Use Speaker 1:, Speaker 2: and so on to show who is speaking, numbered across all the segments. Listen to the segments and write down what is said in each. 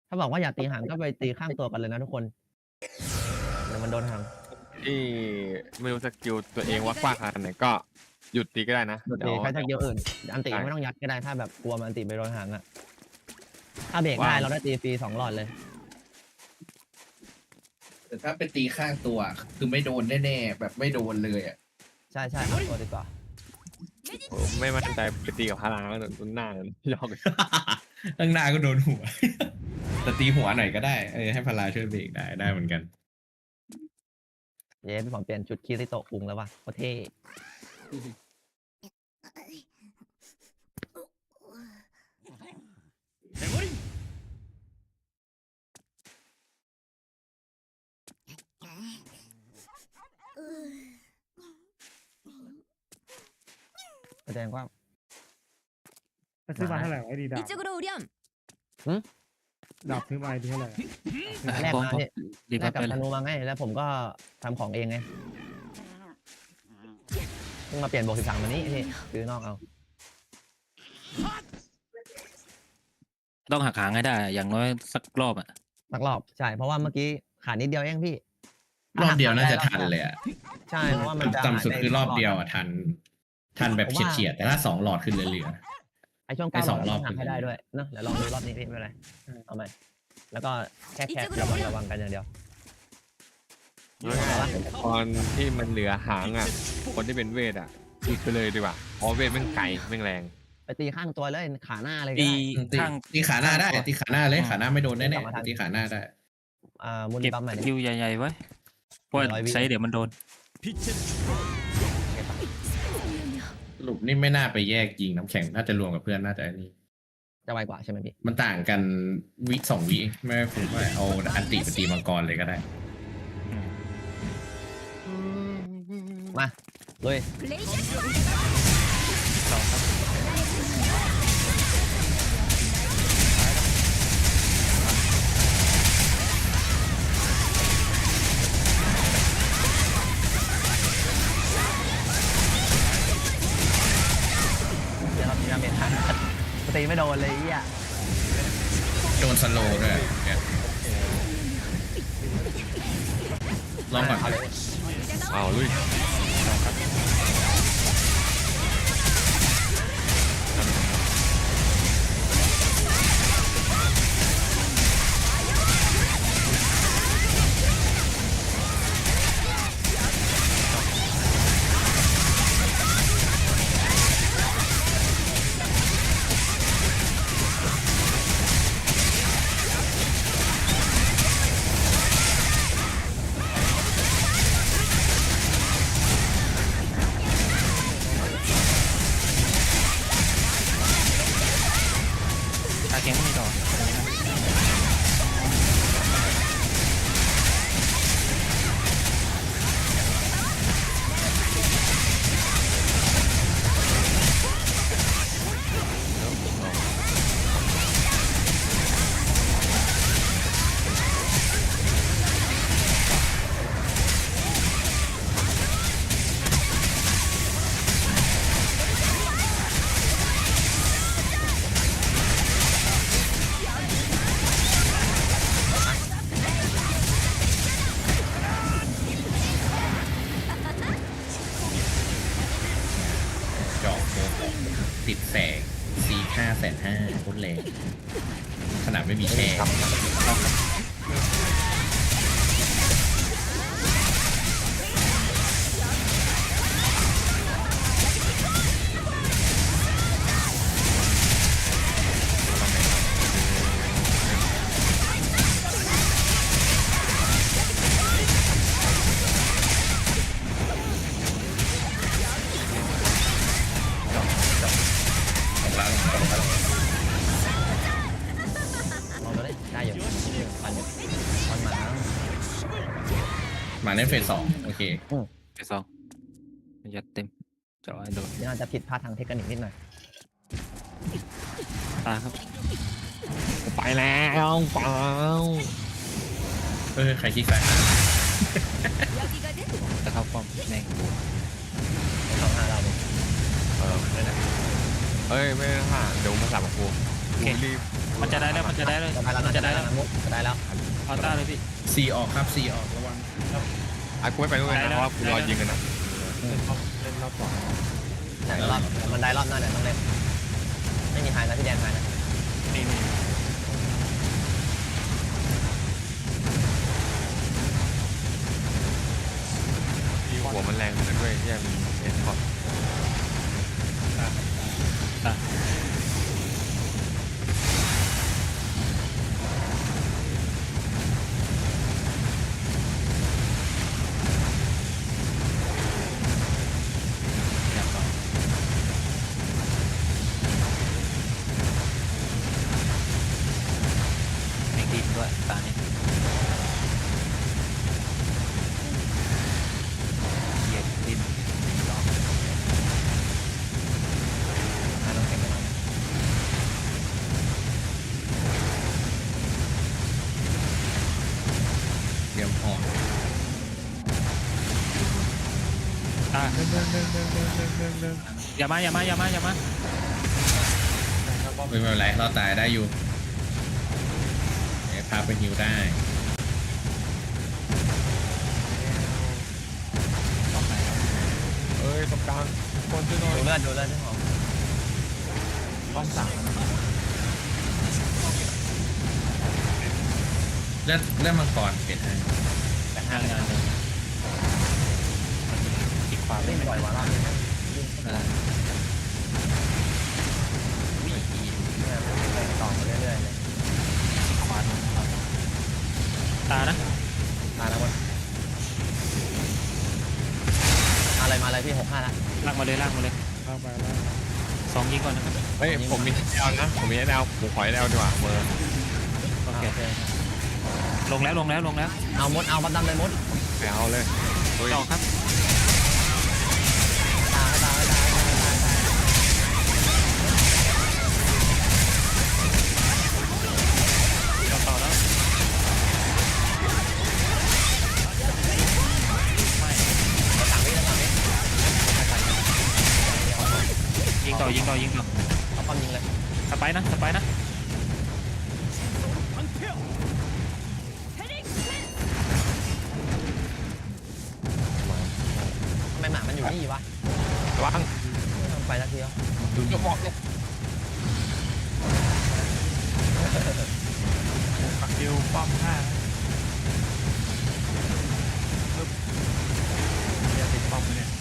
Speaker 1: ถ้าบอกว่าอย่าตีห่างก็ไปตีข้างตัวกันเลยนะทุกคนเดี๋ยวมันโดนห่าง
Speaker 2: ที่ไม่รู้สกิลตัวเองว่ากว้างขนาดไหนก็หยุดตีก็ได้นะ
Speaker 1: โดนตีใช้สกิลอื่นอันตีไม่ต้องยัดก็ได้ถ้าแบบกลัวมันอันตีไปโดนห่างอะถ้าเบรกได้เราได้ตีฟรี2 หลอดเลย
Speaker 3: แต่ถ้าไปตีข้างตัวคือไม่โดนแน่ๆแบบไม่โดนเลยอ่ะ
Speaker 1: ใช่ข้างตัวดีกว่า
Speaker 2: ผมไม่มั่นใจไปตีกับพลังแล้วต้นหน้าเลยยอกเลย
Speaker 4: ตั้งหน้าก็โดนหัวแต่ตีหัวหน่อยก็ได้ให้พลาช่วยเบรกได้เหมือนกัน
Speaker 1: เย้พี่ผมเปลี่ยนชุดคีริโตะคุงแล้วว่ะโคตรเท่แสดงว่า
Speaker 5: ซื้อมาเท่าไหร่ไอ้ดีดาบดาบซื้อมาเท่าไหร่
Speaker 1: แรกมาเนี่ยแรกกับธนูมาไงแล้วผมก็ทำของเองไงเพิ่งมาเปลี่ยนบวก13มานี้พี่ซื้อนอกเอา
Speaker 6: ต้องหักหางให้ได้อย่างน้อยสักรอบ
Speaker 1: สักรอบใช่เพราะว่าเมื่อกี้ขาดนิดเดียวเองพี่
Speaker 4: รอบเดียวน่าจะทันเลย
Speaker 1: ใช่เพราะว่ามัน
Speaker 4: ต่ำสุดคือรอบเดียวทันแบบเฉียดแต่ถ้า2 หลอดขึ้นเหลือ
Speaker 1: ไอช่วง9 หลอดต้องหักให้ได้ด้วยเนอะเดี๋ยวลองดูรอบนี้พี่ไม่เป็นไรเอาใหม่แล้วก็แค่ระวังกันอย่างเดียว
Speaker 2: ตอนที่มันเหลือหางคนที่เป็นเวทตีไปเลยดีกว่าเพราะเวทแม่งไกลแม่งแรง
Speaker 1: ไปตีข้างตัวเลยขาหน้าเลย
Speaker 4: ตีขาหน้าได้ตีขาหน้าเลยขาหน้าไม่โดนแน่ๆตีขาหน้าได้
Speaker 1: มูล
Speaker 6: เก็บ
Speaker 1: บัมใหม่
Speaker 6: คิวใหญ่ๆไว้เพราะใช้เดี๋ยวมันโดน
Speaker 4: สรุปนี่ไม่น่าไปแยกยิงน้ำแข็งน่าจะรวมกับเพื่อนน่าจะนี่
Speaker 1: จะไวกว่าใช่ไหมพี่
Speaker 4: มันต่างกัน2 วิไม่คุ้มว่าเอาอันติไปตีมังกรเลยก็ได้
Speaker 1: มาลุยตีไม่โดนเลยอ่ะ
Speaker 4: โดนสโลว์ด้วยลองก่อน
Speaker 2: เอาลุย
Speaker 6: ตาเก่งไม่มีต่อ
Speaker 4: ติดแสงC550,000พุ่นแรงขนาดไม่มีแช่มาเล่นเฟส 2โอเค
Speaker 6: เฟส 2ยัดเต็มจะเอาให้โดน
Speaker 1: นี่อาจจะผิดพลาดทางเทคนิคนิดหน่อย
Speaker 6: ตาครับ
Speaker 2: ไปแล้วเปล่า
Speaker 4: ใครคิดแฝง
Speaker 6: จะเข้าป้อมแม่ง
Speaker 1: 2-5เรา
Speaker 2: ไม่ได้เฮ้ยไม่ได้ห่าเดี๋ยวมาสับกับกูรีบ
Speaker 6: มันจะได้แล้วมันจะได้แล้ว
Speaker 1: จะได้แล้ว
Speaker 6: มัน
Speaker 1: จะ
Speaker 6: จะ
Speaker 1: ได้
Speaker 6: ได้
Speaker 1: แล้
Speaker 6: แล้ว ว
Speaker 1: มุกจะได้แล้ว
Speaker 6: เอาต้าเลยพี่
Speaker 4: ซีออกครับซีออกระวัง
Speaker 2: ไอ้กูไม่ไปด้วยนะเพราะว่ากูรอยิงกันนะ
Speaker 5: เล่นรอบสอง
Speaker 1: ไหนรอบมันได้รอบหน้าเนี่ยต้องเล่นไม่มีไฮนะพี่แดนไฮนะ
Speaker 6: นี่นี่
Speaker 2: ที่หัวมันแรงกันด้วยแย่มีเอ็นพอร์ต
Speaker 6: อยากต่อเด็กดีด้วยตานี้เหยียบดินรอบ
Speaker 1: ไฮต้องเก็บไปหน่อย
Speaker 4: เตรียมหอก
Speaker 6: ตา
Speaker 5: หนึ่ง
Speaker 6: อย่ามาอย่ามาอย่ามาอย่ามา
Speaker 4: ไม่เป็นไรเราตายได้อยู่เดี๋ยวพาไปฮิวได้
Speaker 6: ต้องไหนครับ
Speaker 2: เอ้ยตรงกลางคนช่วยหน่อย
Speaker 1: ดูเลือดที่หอม
Speaker 2: ป้อมสาม
Speaker 4: เลือดมังกรเปลี่ยนให้
Speaker 1: แต่ห้าง
Speaker 6: านเลยอีกความ
Speaker 1: เล่
Speaker 6: เล่
Speaker 1: น
Speaker 6: น
Speaker 1: บ่อยกว่ารอบนี้
Speaker 6: วิ่งอี
Speaker 1: ต่อมาเรื่อยๆเลย
Speaker 6: ควานตานะ
Speaker 1: มาแล้วมั้งมาเลยพี่65แล้ว
Speaker 6: ลากมาเลยลากมาเลย
Speaker 5: เข้าไปแล้ว
Speaker 6: สองยิงก่อนนะครับ
Speaker 2: เฮ้ยผมมีแนวนะผมมีแนวผมขอแนวดีกว่าเบอร์
Speaker 6: โอเค
Speaker 1: โอเค
Speaker 6: ลงแล้วลงแล้วลงแล้ว
Speaker 1: เอามดเอาบัดดำเลยมด
Speaker 2: ไปเอาเลยเฮ้ย
Speaker 6: ต่อครับ
Speaker 1: ตายตายตายตายตาย
Speaker 6: ต่อแล้วไม่
Speaker 1: ต่างวิแล้วต่างวิ
Speaker 6: ยิงต่อยิงต่อยิงต่อ
Speaker 1: เอาป้อมยิงเลย
Speaker 6: สไปนะสไปนะ
Speaker 1: ทำไมหมามันอยู่นี่วะ
Speaker 2: ระวัง
Speaker 1: ไม่ทำไปสักทีแล้ว
Speaker 2: ดูจะบอกเนี่ย
Speaker 5: ปักดิวป้อมห้า
Speaker 1: เดี๋ยวติดป้อมเนี่ย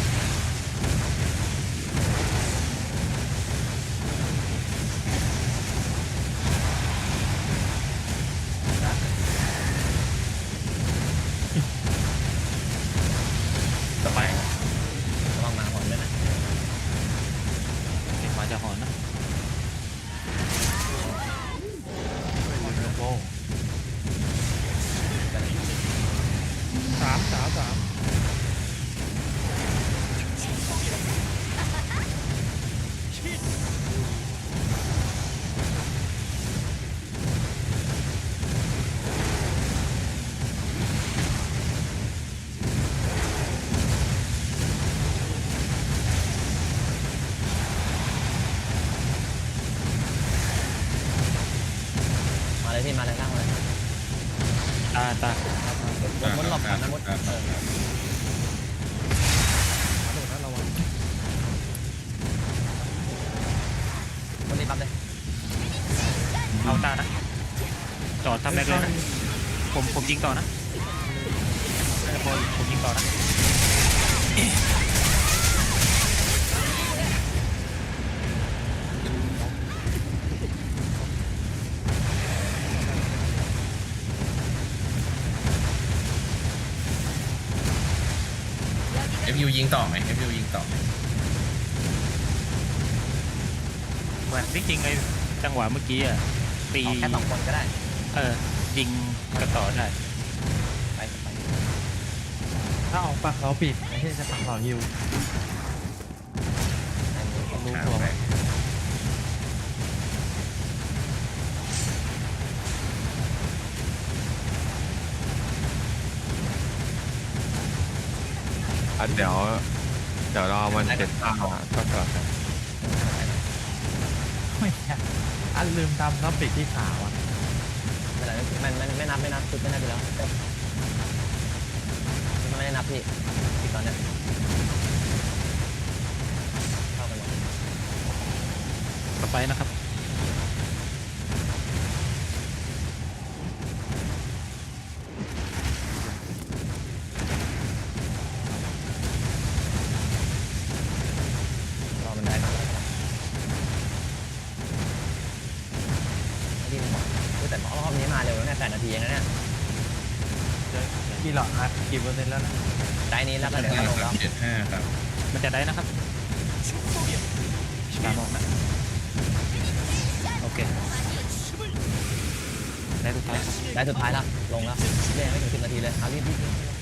Speaker 6: สไป
Speaker 1: ระวังหมาหอนด้วยนะ
Speaker 6: เด็กมาจะหอนนะ
Speaker 5: สาม
Speaker 1: มาเลยพี่มาเลยข้างมาเลย
Speaker 6: ตาตาม
Speaker 1: ดหลบก่อนนะมด
Speaker 4: ครับ
Speaker 5: โดดนะระวัง
Speaker 1: มดรีบปั๊บเลย
Speaker 6: เอาตานะจอดทำแรกเลยนะผมยิงต่อนะผมยิงต่อนะ
Speaker 4: เอฟยูยิงต่อไหมเอฟยูยิงต่อไหม
Speaker 6: เหมือนจริงๆไอ้จังหวะเมื่อกี้อ่ะตี
Speaker 1: เอาแค่2 คนก็ได้
Speaker 6: ยิงกระต่อได้
Speaker 1: ไป
Speaker 5: ถ้าออกปากเราปิดไม่ใช่จะปักเราฮิว
Speaker 4: รู้ตัวไหม
Speaker 2: เดี๋ยวรอมันเจ็ดตาก็เกิดกัน
Speaker 5: ไม่ใช่อันลืมทำครับปิดที่ขาวอ่ะ
Speaker 1: ไม่ได้มันไม่นับชุดไม่นับอยู่แล้วมันไม่ได้นับพี่อีกตอนเนี้ยเข้าไปหมด
Speaker 6: ต่อไปนะครับ
Speaker 1: รอมันได้ครับที่หมอแต่หมอรอบนี้มาเร็วแล้วเนี่ย8 นาทีเองนะเนี่ย
Speaker 5: กี่หลอดนะกี่เปอร์เซ็นต์แล้วนะ
Speaker 1: ได้นี้แล้วก็เดี๋ยวลงแล้ว
Speaker 4: 75 ครับ
Speaker 6: มันจะได้นะครับการบอกนะโอเคได้สุดท้ายครับ
Speaker 1: ได้สุดท้ายแล้วลงแล้วเรียกไม่ถึง10 นาทีเลยเอารีบ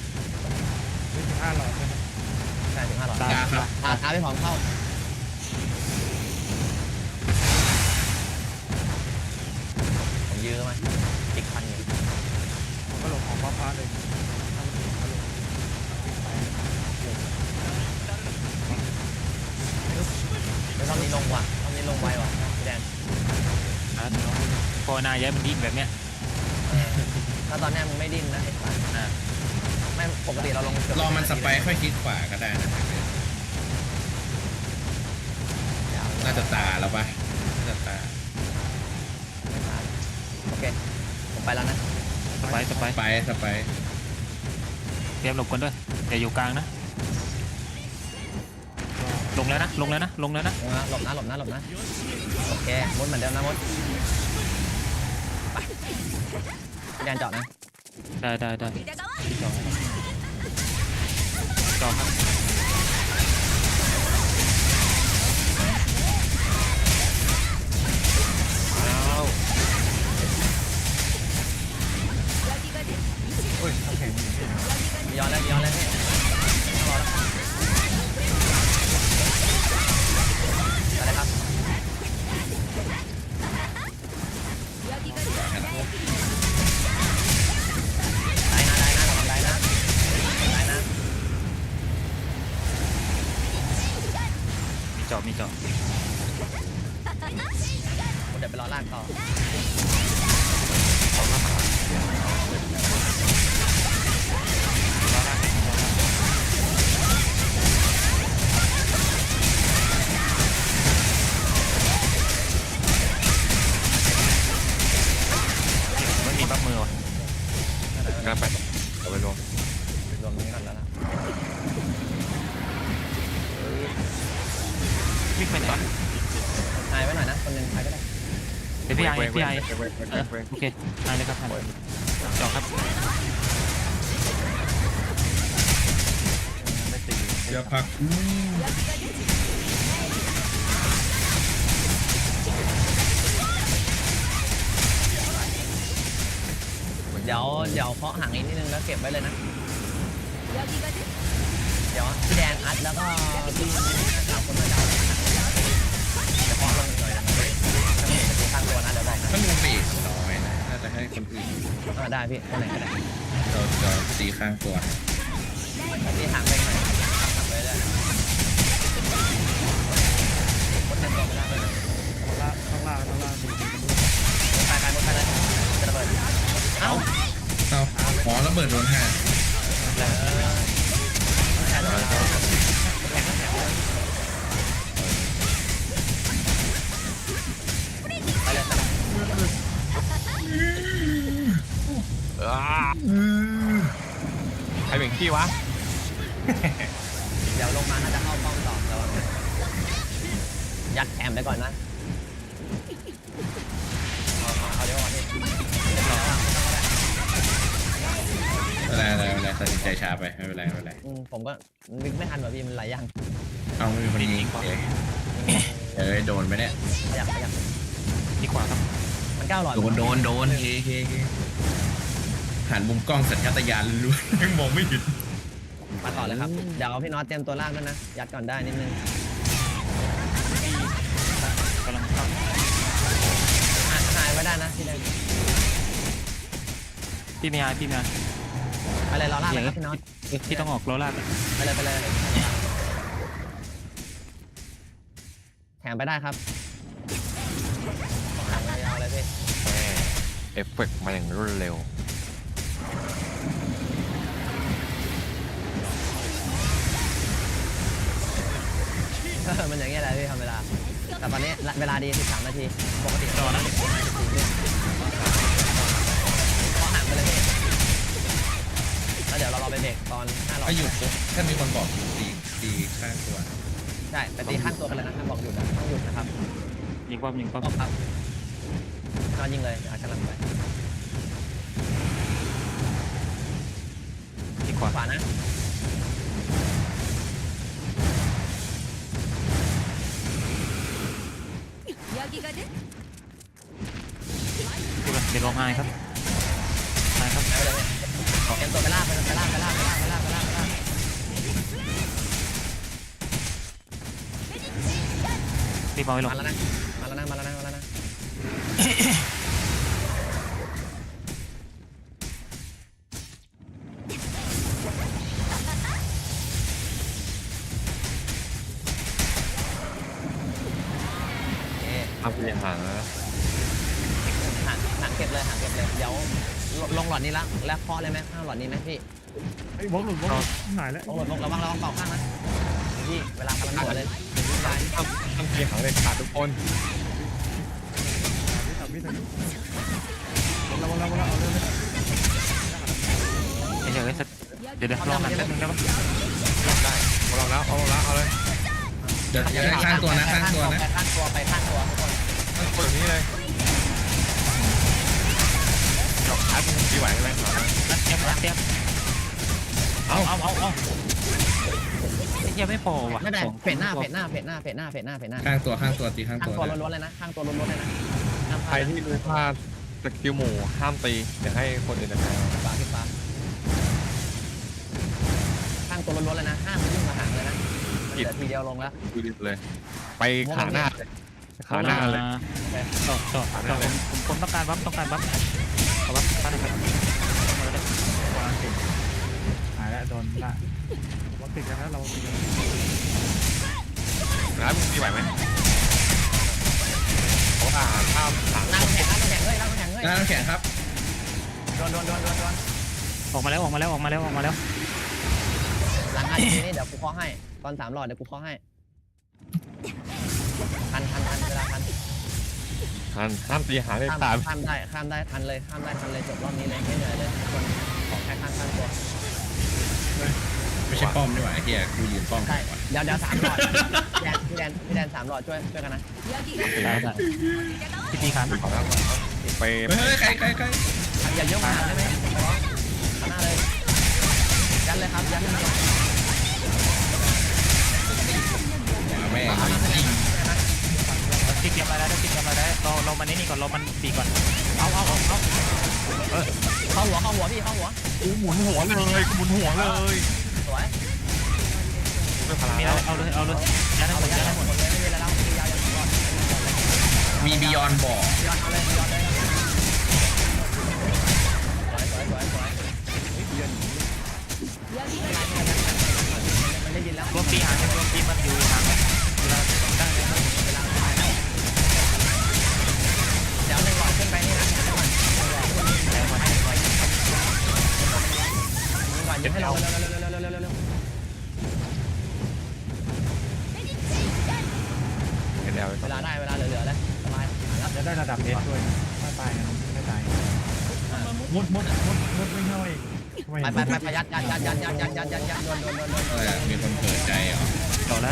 Speaker 5: 25หลอดใช่ไหม
Speaker 1: ใช่ถึง5 หลอด
Speaker 4: กล้าครับ
Speaker 1: ท้าไปพร้อมเข้าผมยื้อมาอีกพันอยู่
Speaker 5: ก็หลงของฟ้าเลยถ้ามันถึงก็หลงไป
Speaker 1: แล้วรอบนี้ลงว่ะรอบนี้ลงไวว่ะพี่แดน
Speaker 6: พอนาย้ายมันดิ้นแบบเนี้ย
Speaker 1: ถ้าตอนนี้มึงไม่ดิ้นนะไอ้สัส
Speaker 6: อ่า
Speaker 1: ไม่ปกติเราลงเกือบ
Speaker 4: รอมันสไปค์ค่อยคลิกขวาก็ได้นะน่าจะตาแล้วปะน่าจะตา
Speaker 1: โอเคผมไปแล้วนะ
Speaker 6: ต่อไป
Speaker 4: สไปค์
Speaker 6: เตรียมหลบกันด้วยอย่าอยู่กลางนะลงแล้วนะลงแล้วนะลงแล้วนะ
Speaker 1: หลบนะโอเคมดเหมือนเดิมนะมดไปพี่แดนเจาะนะ
Speaker 6: ได้จอครับ
Speaker 5: โอ้ยน้ำแข็ง
Speaker 1: ย้อนแล้วพี่รอแล้วไปเลยครับได้นะ
Speaker 6: มีจอบ
Speaker 1: ผมเดี๋ยวไปรอลากต่อ
Speaker 6: ไม่มีบัฟมือว่ะ
Speaker 2: ก็ไปเอาไปรวม
Speaker 1: รวมนี้ก่อนแล้วล่ะ
Speaker 6: วิ่งไปก่อน
Speaker 1: หายไว้หน่อยนะคนหนึงใครก็ได้
Speaker 6: เป็นพี่ไอ
Speaker 2: เว้ย
Speaker 6: พี่ไอ
Speaker 2: เว้ย
Speaker 6: โอเคได้เลยครับท่านจอครับ
Speaker 5: ไม่ตี
Speaker 4: อย่าพัก
Speaker 1: เดี๋ยวเคาะห่างอีกนิดนึงแล้วเก็บไว้เลยนะเดี๋ยวพี่แดนอัดแล้วก็พี่สามคนมาจับจะเคาะลงหน่อยนะถ้าไม่เห็นจะข้างตัวนะเดี๋ยวบอกนะ
Speaker 4: ถ้ามึงปีกน้อยนะน่าจะให้คนอื่น
Speaker 1: ได้พี่คนไหนก็ได้
Speaker 4: เราตีข้างตัว
Speaker 1: พี่ห่างไปหน่อยห่างไปเลยคนหนึ่งตัวไม่ได้เลย
Speaker 5: ข้างล่างดี
Speaker 1: ตายหมดไปเลยจะระเบิดเอ้า
Speaker 4: อ๋อระเบิดโดนห่า
Speaker 1: แข่งไปเลย
Speaker 2: ใครเป็นขี้วะ
Speaker 1: เดี๋ยวลงมาน่าจะเข้าป้อมต่อระวังยัดแคมไปก่อนนะเอาเดี๋ยวก่อนพี่
Speaker 4: อะไรตัดสินใจช้าไปไม่เป็นไร
Speaker 1: ผมก็นึกไม่ทันว่าพี่มันหลายอย่าง
Speaker 4: เอาไม่มีคนยิงโดนไหมเนี่ย
Speaker 1: ขยับ
Speaker 6: ดีกว่าครับ
Speaker 1: มัน9 หลอด
Speaker 4: โดนเฮ้หันมุมกล้องสัญชาตญาณล้วนยังมองไม่เห็น
Speaker 1: มาต่อเลยครับเดี๋ยวพี่น็อตเตรียมตัวลากด้วยนะยัดก่อนได้นิดนึง
Speaker 6: กำลังเข้า
Speaker 1: หายไว้ได้นะพี่แดน
Speaker 6: พี่ไม่อาย
Speaker 1: ไปเลยรอลากเลยครับพี่น็อต
Speaker 6: พี่ต้องออกโรลาก
Speaker 1: ไปเลยแถมไปได้ครับ
Speaker 2: อฟเฟกต์มาอย่างรวดเร็ว
Speaker 1: มันอย่างเงี้ยแหละพี่ทำเวลาแต่ตอนนี้เวลาดี13นาทีปกติ
Speaker 6: รอนะ
Speaker 1: ก็ห่างไปเลยพี่แล้วเดี๋ยวเราไปเบรกตอน5
Speaker 4: ถ้าหยุดปุ๊บถ้ามีคนบอกหยุดตีข้างตัว
Speaker 1: ใช่ไปตีข้างตัวกันเลยนะถ้าบอกหยุดนะต้องหยุดนะครับ
Speaker 6: ยิงป้อมยิงป้อม
Speaker 1: ครับก็ยิงเลยอาจจะลังไป
Speaker 6: ยิงขวา
Speaker 1: ขวานะ
Speaker 6: ดูกันเดี๋ยวลงไห้ครับไห้ครับ
Speaker 1: ไปเลยเตรียมตัวไปลากไปลาก
Speaker 6: ตีบอลไปลง
Speaker 1: มาแล้วนะ
Speaker 2: ทำเป็นหางนะ
Speaker 1: หางเก็บเลยเดี๋ยวลงหลอดนี้แล้วเคาะเลยไหมข้างหลอดนี้ไหมพี่
Speaker 5: ไอ้บล็อกหลุดบล็อกหายแล้ว
Speaker 1: ลงระวังเป่าข้างนะพี่เวลากำลังหมดเลยได้
Speaker 2: ทำเป็นหางเลยขาดทุกคน
Speaker 5: ทำพี่เราเอาเรื่องนี้
Speaker 6: เดี๋ยวเดี๋ยวรอกันแป๊บนึงครับ
Speaker 2: ได้เอาลองแล้วเอาเลย
Speaker 4: เดี๋ยวได้ข้างตัวนะ
Speaker 1: ไปข้างตัวทุกคน
Speaker 2: ตั้งตัวแบบนี้เลยจบอัดที่ไหวไหม
Speaker 6: เตรียมเอาไอ้เหี้ยไม่พอว่ะ
Speaker 1: ไม่ได้เฟดหน้า
Speaker 4: ข้างตัวตีข้าง
Speaker 1: ข้าง
Speaker 4: ตัว
Speaker 1: ตัวล้วนๆเลยนะข้างตัวล้วนๆเลยนะห้ามพ
Speaker 2: ใคร
Speaker 1: ลาด
Speaker 2: ที่รู้พลาดสกิลหมู่ห้ามตีเดี๋ยวให้คนอื่นจัดการ
Speaker 1: ฟ้าข้างตัวล้วนๆเลยนะห้ามยุ่งมาหางเลยนะมันเหลือทีเดียวลงแล้ว
Speaker 2: ดูดิเลยไปขาหน้าเลยขาหน้าเลย
Speaker 6: ต่อผมต้องการบัฟเอาบัฟตั้งนะครับ
Speaker 5: หายแล้วโดนละเราติดกันนะเราติดกัน
Speaker 2: แล้วมึงตีไหวไหมเพราะว่าถ้าหาง
Speaker 1: นั่งแข่งเฮ้ย
Speaker 4: น้ำแข็งครับ
Speaker 1: โดน
Speaker 6: ออกมาแล้ว
Speaker 1: หลัง5 นาทีนี่เดี๋ยวกูเคาะให้ตอน3 หลอดเดี๋ยวกูเคาะให้ทันเวลาทัน
Speaker 2: ห้ามตีหางเลย
Speaker 1: ข้าม
Speaker 2: ตาม
Speaker 1: ข้ามได้ทันเลยจบรอบนี้เลยไม่เหนื่อยเลยทุกคนขอแค่ข้างตัว
Speaker 4: ไม่ใช่ป้อมนี่หว่าไอ้เหี้ยกูยืนป้อม
Speaker 1: ใช่เดี๋ยว3 หลอดพี่แดน3 หลอดช่วยกันนะ
Speaker 6: ได้พี่ตีขัน
Speaker 2: ไป
Speaker 4: เฮ้ยใคร
Speaker 1: อย่าเยอะมาได้ไหมข้างหน้าเลยยันเลยครับยันเลย
Speaker 4: แม่ง
Speaker 6: ติดเกมอะไรได้เรามันนี่ก่อนเรามันตีก่อน
Speaker 1: เอาเข้าหัวพี่เข้าหัว
Speaker 2: กูหมุนหัวเลย
Speaker 1: สวย
Speaker 2: ไม่พลาด
Speaker 6: มีอะไรเอาเลยยัดให้หมด
Speaker 1: หมดเลยไม่มีอะไรแล้วยาวยันก่อน
Speaker 4: มีบิยอนบอก
Speaker 1: ย้อนเอาเลยสวยมันได้ยินแล้ว
Speaker 6: รวมตีหางรวมตีมันอยู่หางเวลาได้เลย
Speaker 1: เดี๋ยว1 หลอดขึ้นไปนี่นะยิงให้เราเร็ว
Speaker 2: เดี๋ยว
Speaker 1: เวลาได้เวลาเหลือแล้วสบาย
Speaker 5: จะได้ระดับเอสด้วยถ้าตายไม่ตายมุดไม่เข้าอีก
Speaker 1: ไปยัดโดน
Speaker 4: มีคนเปิดใจเหรอ
Speaker 6: ต่อแล้ว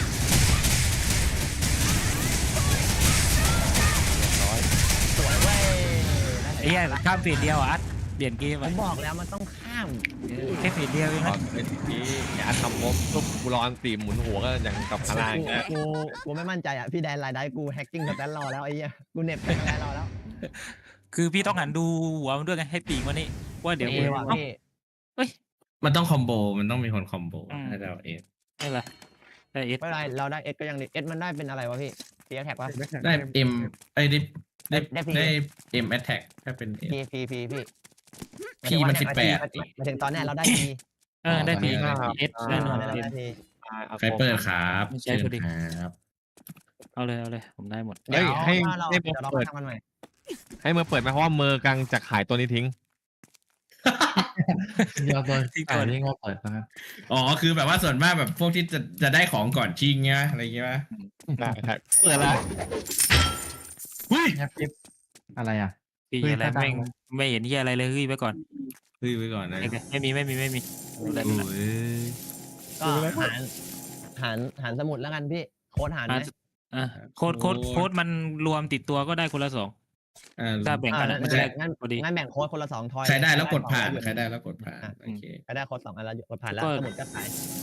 Speaker 1: สวยเว้ย
Speaker 6: ไอ้เหี้ยข้ามฟีดเดียวอ่ะเปลี่ยนเกม
Speaker 1: ผมบอกแล้วมันต้องข้าม
Speaker 6: แค่ฟีดเดียวเอง
Speaker 2: ตอ
Speaker 6: นะ
Speaker 2: นเป็นที่อย่าทำปุ๊บกูรอตีหมุนหัวก็อย่างกับพลัง
Speaker 1: กูไม่มั่นใจอ่ะพี่แดนรายได้กูแฮกกิ้งสแตนรอแล้วไอ้เหี้ยกูเน็บไปรายรอแล้ว
Speaker 6: คือพี่ต้องหันดูหัวมันด้วยไงให้ปีกมันนี่ว่าเดี๋ยว
Speaker 1: ว่ะพี่
Speaker 4: มันต้องคอมโบมันต้องมีคนคอมโบให้เราเอง
Speaker 6: ไม่เป็นไรได้เอส
Speaker 1: ไม่เป็นไรเราได้เอสก็ยังดีเอสมันได้เป็นอะไรวะพี่ตีแท็กวะ
Speaker 4: ได้เอ็มไอ้ได้
Speaker 1: ได้
Speaker 4: เอ็มแอตแทกถ้าเป็น
Speaker 1: พีพี่
Speaker 4: พีมัน18
Speaker 1: มาถึงตอนนี้เราได้พี
Speaker 6: ได้ปีเอสแน่นอน
Speaker 1: ได้พี
Speaker 4: ใครเปิดครับ
Speaker 6: ใช่พอดี
Speaker 4: ครับ
Speaker 6: เอาเลยผมได้หมด
Speaker 1: เดี๋ยวเราทำมันใหม่
Speaker 2: ให้เมอร์เปิดไหมเพราะว่าเมอร์กำลังจะขายตัวนี้ทิ้ง
Speaker 5: เดี๋ยวตัวที่ก่อนที่เขาเปิดนะครับ
Speaker 4: อ๋อคือแบบว่าส่วนมากแบบพวกที่จะได้ของก่อนชิงเงี้ยอะไรเงี้ยป่ะ
Speaker 2: ได้ครับเปิดละ
Speaker 5: แฮปปี้อะไรอ่ะ
Speaker 6: พี่
Speaker 5: เฮ้ย
Speaker 6: อะไร
Speaker 5: ถ้าดัง
Speaker 6: แม่งไม่เห็นที่อะไรเลยเฮ้ยไปก่อน
Speaker 4: เฮ้ยไว้ก่อนนะ
Speaker 6: ไม่มีไม่มี
Speaker 4: โอ้ย
Speaker 1: ก็หารสมุดแล้วกันพี่โค้ดหารไหม
Speaker 6: อ่ะโค้ดมันรวมติดตัวก็ได้คนละ2ถ้าแบ่งกันอะมันจะได้
Speaker 1: งั้น
Speaker 6: พอดี
Speaker 1: งั้นแบ่งโค้ดคนละ2 ทอย
Speaker 4: ใครได้แล้วกดผ่าน
Speaker 1: ใคร
Speaker 4: ใครได้แล้วกดผ่านโอเค
Speaker 1: ได้โค้ด2 อันแล้วกดผ่านแล้ว
Speaker 6: ก็
Speaker 1: สมุดก็ขาย